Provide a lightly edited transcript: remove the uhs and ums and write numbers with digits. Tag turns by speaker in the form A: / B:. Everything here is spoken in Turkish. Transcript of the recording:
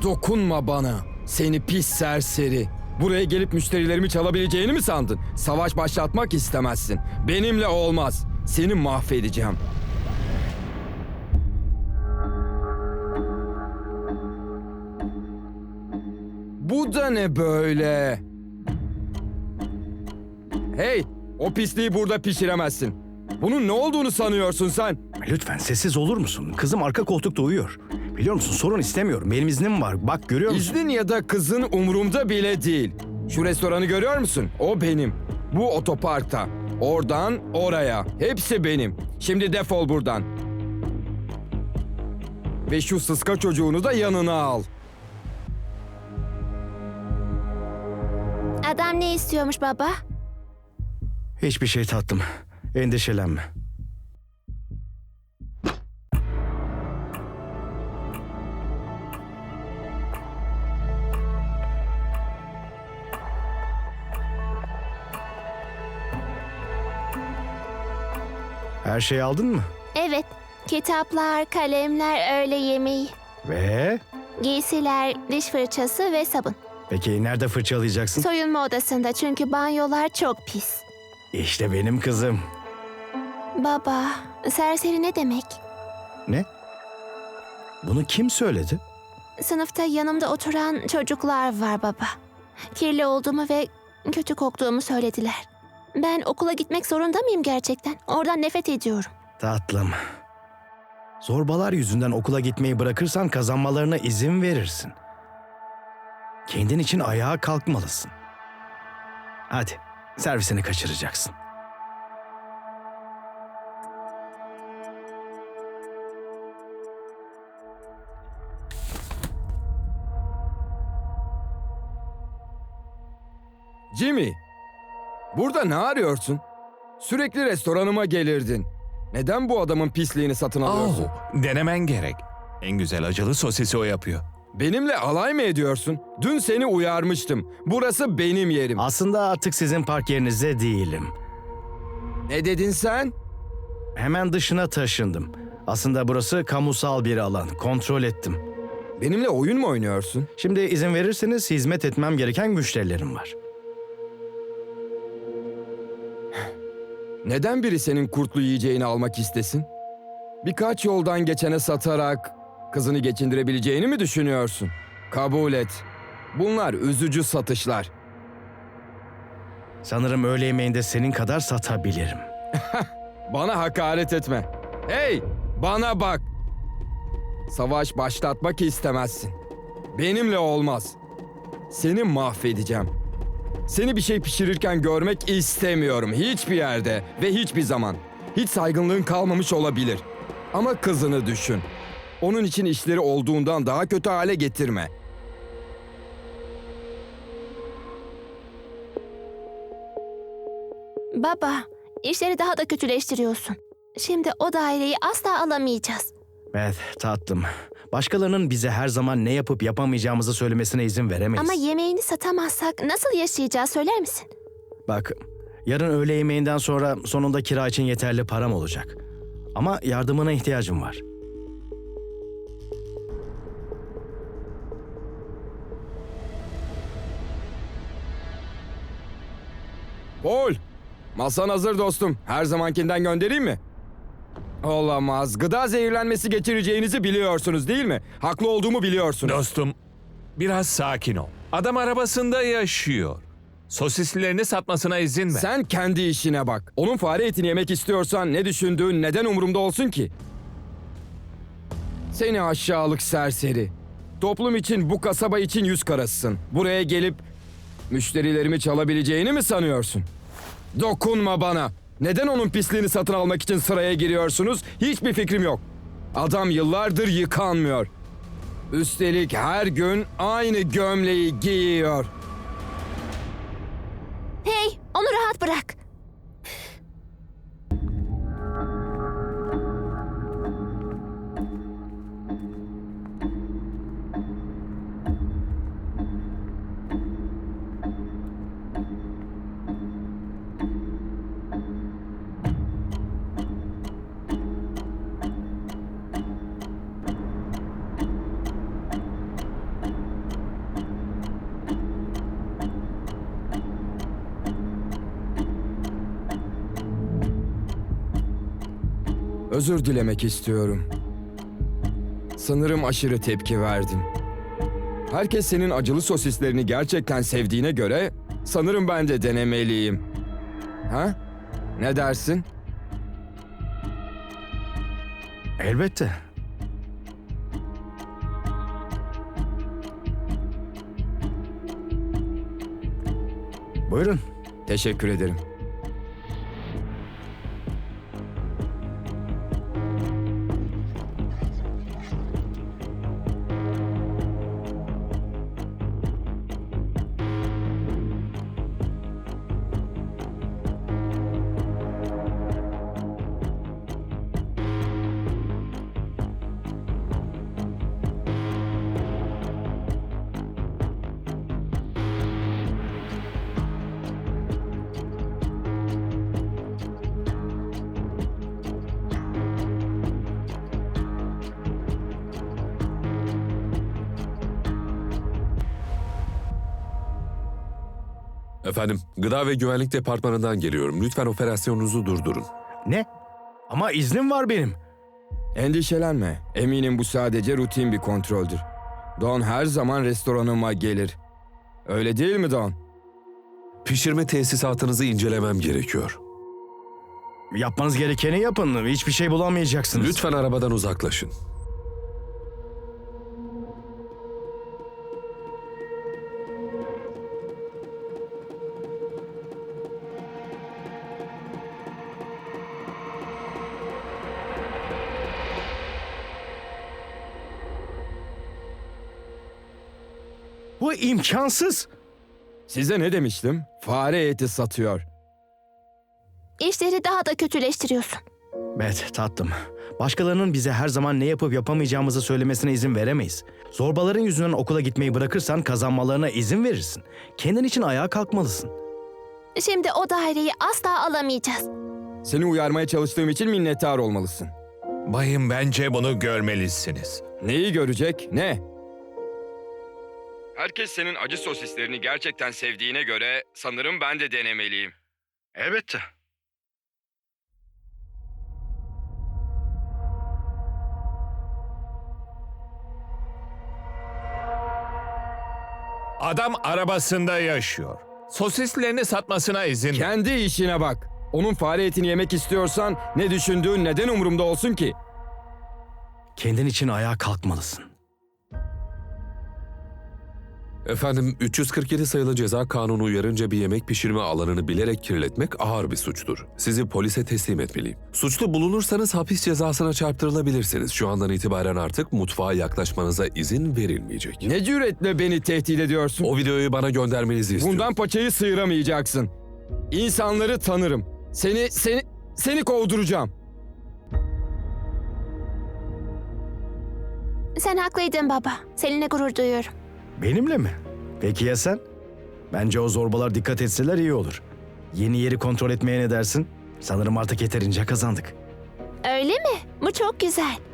A: Dokunma bana. Seni pis serseri. Buraya gelip müşterilerimi çalabileceğini mi sandın? Savaş başlatmak istemezsin. Benimle olmaz. Seni mahvedeceğim. Bu da ne böyle? Hey, o pisliği burada pişiremezsin. Bunun ne olduğunu sanıyorsun sen?
B: Lütfen sessiz olur musun? Kızım arka koltukta uyuyor. Biliyor musun, sorun istemiyorum. Benim iznim var. Bak, görüyor musun?
A: İznin ya da kızın umurumda bile değil. Şu restoranı görüyor musun? O benim. Bu otoparkta. Oradan oraya. Hepsi benim. Şimdi defol buradan. Ve şu sıska çocuğunu da yanına al.
C: Adam ne istiyormuş baba?
B: Hiçbir şey tatlım. Endişelenme. Her şeyi aldın mı?
C: Evet, kitaplar, kalemler, öğle yemeği,
B: Ve?
C: giysiler, diş fırçası ve sabun.
B: Peki nerede fırçalayacaksın?
C: Soyunma odasında çünkü banyolar çok pis.
B: İşte benim kızım.
C: Baba, serseri ne demek?
B: Ne? Bunu kim söyledi?
C: Sınıfta yanımda oturan çocuklar var baba. Kirli olduğumu ve kötü koktuğumu söylediler. Ben okula gitmek zorunda mıyım gerçekten? Oradan nefret ediyorum.
B: Tatlım. Zorbalar yüzünden okula gitmeyi bırakırsan kazanmalarına izin verirsin. Kendin için ayağa kalkmalısın. Hadi, servisini kaçıracaksın.
A: Jimmy, burada ne arıyorsun? Sürekli restoranıma gelirdin. Neden bu adamın pisliğini satın alıyorsun?
D: Denemen gerek. En güzel acılı sosisi o yapıyor.
A: Benimle alay mı ediyorsun? Dün seni uyarmıştım. Burası benim yerim.
B: Aslında artık sizin park yerinizde değilim.
A: Ne dedin sen?
B: Hemen dışına taşındım. Aslında burası kamusal bir alan. Kontrol ettim.
A: Benimle oyun mu oynuyorsun?
B: Şimdi izin verirseniz hizmet etmem gereken müşterilerim var.
A: Neden biri senin kurtlu yiyeceğini almak istesin? Birkaç yoldan geçene satarak kızını geçindirebileceğini mi düşünüyorsun? Kabul et. Bunlar üzücü satışlar.
B: Sanırım öğle yemeğinde senin kadar satabilirim.
A: Bana hakaret etme. Hey, bana bak. Savaş başlatmak istemezsin. Benimle olmaz. Seni mahvedeceğim. Seni bir şey pişirirken görmek istemiyorum hiçbir yerde ve hiçbir zaman. Hiç saygınlığın kalmamış olabilir. Ama kızını düşün. Onun için işleri olduğundan daha kötü hale getirme.
C: Baba, işleri daha da kötüleştiriyorsun. Şimdi o daireyi asla alamayacağız.
B: Evet tatlım. Başkalarının bize her zaman ne yapıp yapamayacağımızı söylemesine izin veremeyiz.
C: Ama yemeğini satamazsak nasıl yaşayacağız söyler misin?
B: Bak, yarın öğle yemeğinden sonra sonunda kira için yeterli param olacak. Ama yardımına ihtiyacım var.
A: Paul, masan hazır dostum. Her zamankinden göndereyim mi? Olamaz. Gıda zehirlenmesi geçireceğinizi biliyorsunuz değil mi? Haklı olduğumu biliyorsunuz.
D: Dostum, biraz sakin ol. Adam arabasında yaşıyor. Sosislerini satmasına izin ver.
A: Sen kendi işine bak. Onun fare etini yemek istiyorsan ne düşündüğün neden umurumda olsun ki? Seni aşağılık serseri. Toplum için bu kasaba için yüz karasısın. Buraya gelip müşterilerimi çalabileceğini mi sanıyorsun? Dokunma bana. Neden onun pisliğini satın almak için sıraya giriyorsunuz? Hiçbir fikrim yok. Adam yıllardır yıkanmıyor. Üstelik her gün aynı gömleği giyiyor.
C: Hey, onu rahat bırak.
A: Özür dilemek istiyorum. Sanırım aşırı tepki verdim. Herkes senin acılı sosislerini gerçekten sevdiğine göre sanırım ben de denemeliyim. Ha? Ne dersin?
B: Elbette. Buyurun.
A: Teşekkür ederim.
E: Efendim, Gıda ve Güvenlik Departmanı'ndan geliyorum. Lütfen operasyonunuzu durdurun.
B: Ne? Ama iznim var benim.
A: Endişelenme. Eminim bu sadece rutin bir kontroldür. Don her zaman restoranıma gelir. Öyle değil mi Don?
E: Pişirme tesisatınızı incelemem gerekiyor.
B: Yapmanız gerekeni yapın. Hiçbir şey bulamayacaksınız.
E: Lütfen arabadan uzaklaşın.
B: Bu imkansız.
A: Size ne demiştim? Fare eti satıyor.
C: İşleri daha da kötüleştiriyorsun.
B: Bet tatlım. Başkalarının bize her zaman ne yapıp yapamayacağımızı söylemesine izin veremeyiz. Zorbaların yüzünden okula gitmeyi bırakırsan kazanmalarına izin verirsin. Kendin için ayağa kalkmalısın.
C: Şimdi o daireyi asla alamayacağız.
A: Seni uyarmaya çalıştığım için minnettar olmalısın.
D: Bayım, bence bunu görmelisiniz.
A: Neyi görecek? Ne? Herkes senin acı sosislerini gerçekten sevdiğine göre sanırım ben de denemeliyim.
B: Elbette.
D: Adam arabasında yaşıyor. Sosislerini satmasına izin ver.
A: Kendi işine bak. Onun fare etini yemek istiyorsan ne düşündüğün neden umurumda olsun ki?
B: Kendin için ayağa kalkmalısın.
E: Efendim, 347 sayılı ceza kanunu uyarınca bir yemek pişirme alanını bilerek kirletmek ağır bir suçtur. Sizi polise teslim etmeliyim. Suçlu bulunursanız hapis cezasına çarptırılabilirsiniz. Şu andan itibaren artık mutfağa yaklaşmanıza izin verilmeyecek.
A: Ne cüretle beni tehdit ediyorsun?
E: O videoyu bana göndermenizi istiyorum.
A: Bundan paçayı sıyıramayacaksın. İnsanları tanırım. Seni kovduracağım.
C: Sen haklıydın baba. Seninle gurur duyuyorum.
B: Benimle mi? Peki ya sen? Bence o zorbalar dikkat etseler iyi olur. Yeni yeri kontrol etmeye ne dersin? Sanırım artık yeterince kazandık.
C: Öyle mi? Bu çok güzel.